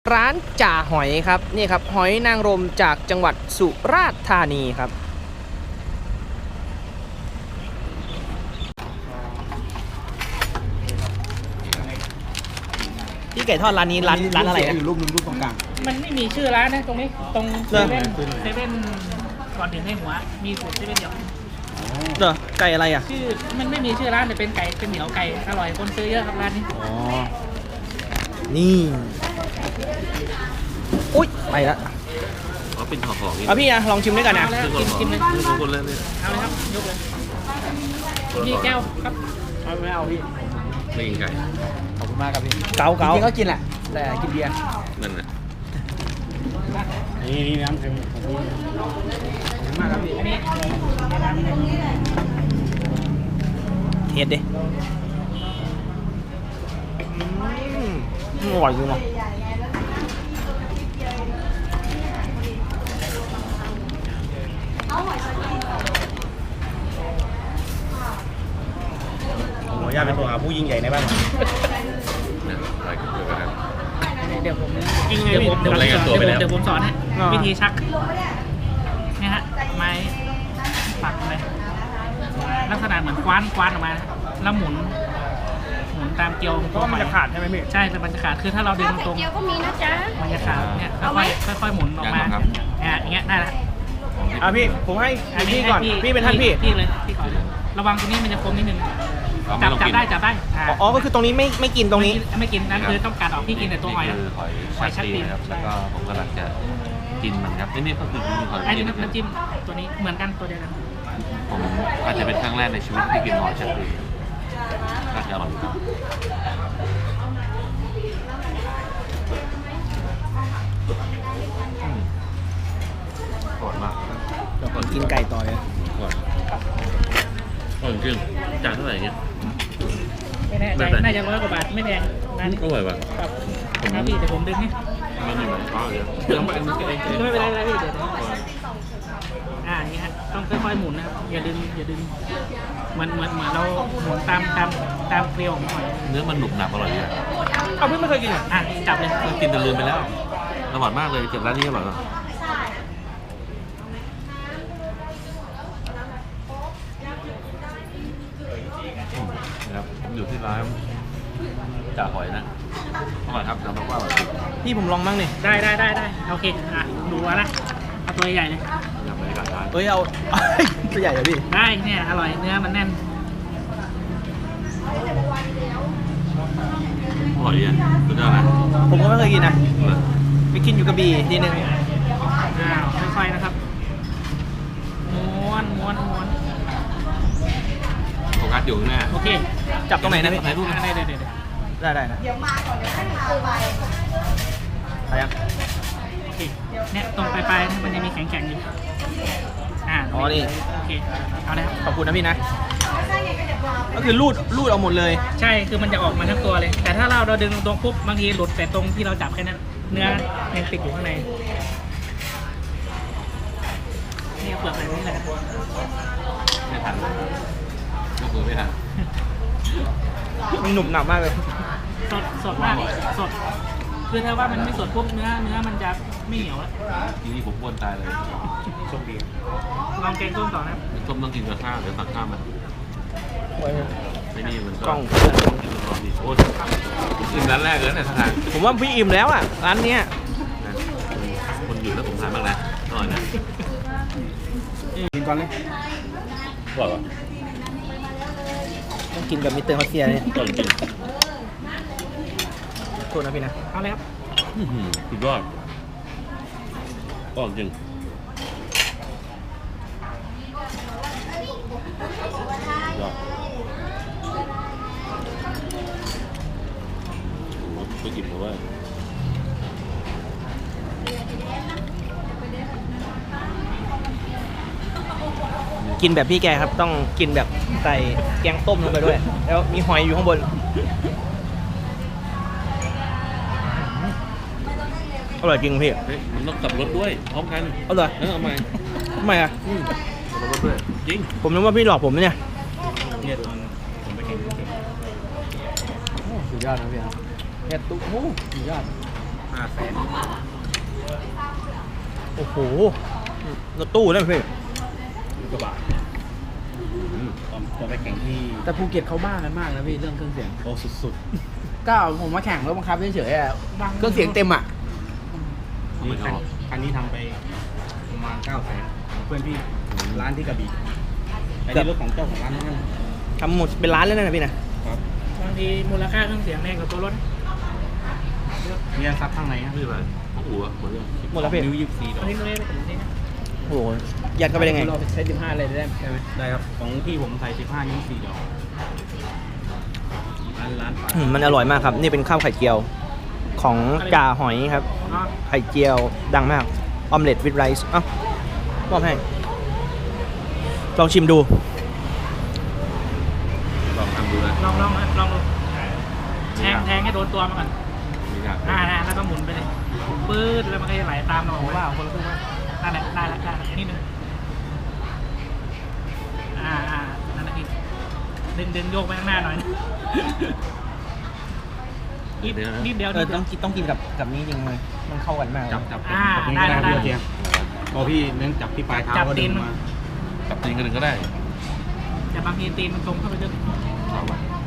ร้านจ่าหอยครับนี่ครับหอยนางรมจากจังหวัดสุราษฎร์ธานีครับพี่ไก่ทอดร้านนี้ร้านอะไรนะอยู่รูปนึงรูปตรงกลางมันไม่มีชื่อร้านนะตรงนี้ตรงเซเหรอเว่นก่อนถึงให้หัวมีสูตรเซเว่นเดียวเหรอไก่อะไรอ่ะชื่อมันไม่มีชื่อร้านแต่เป็นไก่เป็นเหนียวไก่อร่อยคนซื้อเยอะครับร้านนี้อ๋อนี่อุ๊ยไปละอ๋อเป็นห่อๆนี่เอาพี่นะลองชิมด้วยกันนะเอาแล้วกินเลยทุกคนเลยเนี่ยเอาเลยครับยกเลยพี่แก้วครับเอาไม่เอาพี่ไม่กินไก่ขอบคุณมากครับพี่เกาจเการิงๆก็กินแหละแต่กินเบียร์นั่นแหละนี่น้ำเค็มขอบคุณมากครับพี่อันนี้เฮ็ดดิอร่อยจริงว่ะขออนุญาตเป็นตัวหาผู้ยิ่งใหญ่ในบ้านนะอะไรกันเกิดกันเดี๋ยวผมจริงไงเดี๋ยวพี่ผมเดี๋ยวรายงานตัวไปแล้วเดี๋ยวผมสอนให้อ่าวิธีชักเนี่ยฮะไม้ปักเลยลักษณะเหมือนคว้านออกมาแล้วหมุนตามเกลียวเพราะว่ามันจะขาดใช่ไหมพี่ใช่แต่มันจะขาดคือถ้าเราดึงตรงเกี๊ยวก็มีนะจ๊ะมันจะขาดเนี่ยค่อยๆหมุนออกมาอย่างเงี้ยได้ละอ่ะพี่ผมให้พี่ก่อนพี่เป็นท่านพี่พี่เลยพี่ก่อนระวังตรงนี้มันจะคมนิดนึงเอาจัไม่บลองจับกินได้จับได้อ๋อก็คือตรงนี้ไม่กินตรงนี้ไม่กินนั่นคือต้องการออกพี่กินแต่ตัวหอยนี่คือหอยชักตีนะครับแล้วก็ผมกำลังจะกินมันครับนี่ก็คือหอยไอ้นี่นะน้ำจิ้มตัวนี้เหมือนกันตัวเดียวกันผมอาจจะเป็นครั้งแรกในชีวิตที่กินหอยชักตีน่าจะอร่อยครับอร่อยมากเดี๋ยวผมกินไก่ต่อเลยอร่อยอร่อยจริงจานเท่าไหร่เนี่ยไม่แน่ใจน่าจะ100 กว่าบาทไม่แพงร้านนี้อร่อยว่ะครับครับพี่เดี๋ยวผมดึงนี่มันมีหลายข้าวเยอะเดี๋ยวต้องไปอันนี้ก็เองไม่เป็นไรพี่เดี๋ยวอย่างนี้ฮะต้องค่อยๆหมุนนะครับอย่าดึงเหมือนเราหมุนตามเกลียวของหอยเนื้อมันหนุบหนับอร่อยดีอะเอาพี่ไม่เคยกินอ่ะจับเลยเพิ่งกินแต่ลืมไปแล้วอร่อยมากเลยจากร้านนี้อร่อยมากนะครับอยู่ที่ร้านจ่าหอยนะอร่อยครับน้ำว่าอร่อยจริงพี่ผมลองบ้างนี่ได้โอเคดูแล้วนะเอาตัวใหญ่เลยนะครับบรรยากาศร้านเอ้ยเอา ตัวใหญ่เลยพี่ได้เนี่ยอร่อยเนื้อมันแน่นอร่อยดีอ่ะสุดยอดนะผมก็ไม่เคยกินนะไปกินอยู่กระบี่ทีนึงค่อยๆนะครับม้วนโฟกัสอยู่ข้างหน้าโอเคจับตรงไหนนะพี่ถ่ายรูปนะได้ได้นะเดี๋ยวมาก่อนเดี๋ยวให้ทานไปยังโอเคเนี่ยตรงปลายๆมันจะมีแข็งๆอยู่อ๋อนี่โอเคเอาเลยครับขอบคุณนะพี่นะ ก็คือรูดเอาหมดเลยใช่คือมันจะออกมาทั้งตัวเลย แต่ถ้าเราดึงตรงปุ๊บบางทีหลุดแต่ตรงที่เราจับแค่นั้นเนื้อยังติดอยู่ข้างในนี่เปลือกแบบนี้แหละครับไม่ทันยกมือไม่ทันมันหนุบหนับมากเลยสดมากสดคือถ้าว่ามันไม่สดปุ๊บเนื้อมันจะไม่เหนียวแล้วทีนี้ผมอ้วนตายเลยโชคดีลองแกงส้มต่อนะครับส้มต้องกินกับข้าวเดี๋ยวตักข้าวมาไม่นี่มันก็กล้องกินร้อนดีโอ้ยกินร้านแรกเลยเนี่ยทางผมว่าพี่อิ่มแล้วอ่ะร้านเนี้ยนะคนอยู่แล้วผมทานบ้างนะอร่อยนะกินก่อนเลยอร่อยว่ะต้องกินกับมิสเตอร์ฮอสเซียเนี่ยอร่อยจริงโทษนะพี่นะเอาเลยครับสุดยอดอร่อยจริงยอดไปกินเพราะว่ากินแบบพี่แกครับ ต้องกินแบบใส่แกงต้มลงไปด้วย แล้วมีหอยอยู่ข้างบนอร่อยจริงพี่เฮ้ยมันต้องกลับรถด้วยพร้อมกันอร่อยเอาใหม่ทำไมอ่ะกลับรถด้วยจริงผมนึกว่าพี่หลอกผมนะเนี่ยเนี่ยผมไปกินสุดยอดนะพี่เห็ดตุ๊กหูสุดยอด 5 500,000 โอ้โหรถตู้นั่นพี่กว่าบาทตอนไปแข่งที่แต่ภูเก็ตเขาบ้ากันมากนะพี่เรื่องเครื่องเสียงโอ้สุดก็ผมมาแข่งรถบังคับเฉยๆอะเครื่องเสียงเต็มอ่ะๆนี่คันนี้ทำไปประมาณ 900,000เพื่อนพี่ร้านที่กระบี่ไอ้นี่รถของเจ้าของร้านนั่นทำหมดเป็นล้านแล้วนะพี่นะครับบางทีมูลค่าเครื่องเสียงแพงกว่าตัวรถเนี่ยซับข้างในครับไม่เป็นไรหัวหมดเลยหมดแล้วพี่นิ้ว24ดอกนี่ไม่ได้เป็นนี่นะโอ้โหยัดเข้าไปได้ไงเราใช้15เลยได้ไหมได้ครับของพี่ผมใส่15นิ้ว4ดอกร้านปลามันอร่อยมากครับ นี่เป็นข้าวไข่เจียวของจ่าหอยครับเนาะไข่เจียวดังมากออมเล็ตวิดไรซ์เอ้ามอบให้ลองชิมดูลองทำดูนะลองดูแทงให้โดนตัวมันก่อนมีงานแล้วก็หมุนไปเลยปื๊ดแล้วมันก็จะไหลตามเราออกว่าคนละครึ่งว่านั่นแหละได้แล้วนิดนึงนั่นแหละอีกดึงโยกไปข้างหน้าหน่อยนิดเดียวต้องกินกับนี้จริงเลยมันเข้ากันมากจับได้ได้ได้พี่เจียงพอพี่เน้นจับที่ปลายเท้าจับก็ตีดึนงมันมากับตีนกันหนึ่งก็ได้แต่บางทีตีนมันตรงเข้าไปลึกเอาไป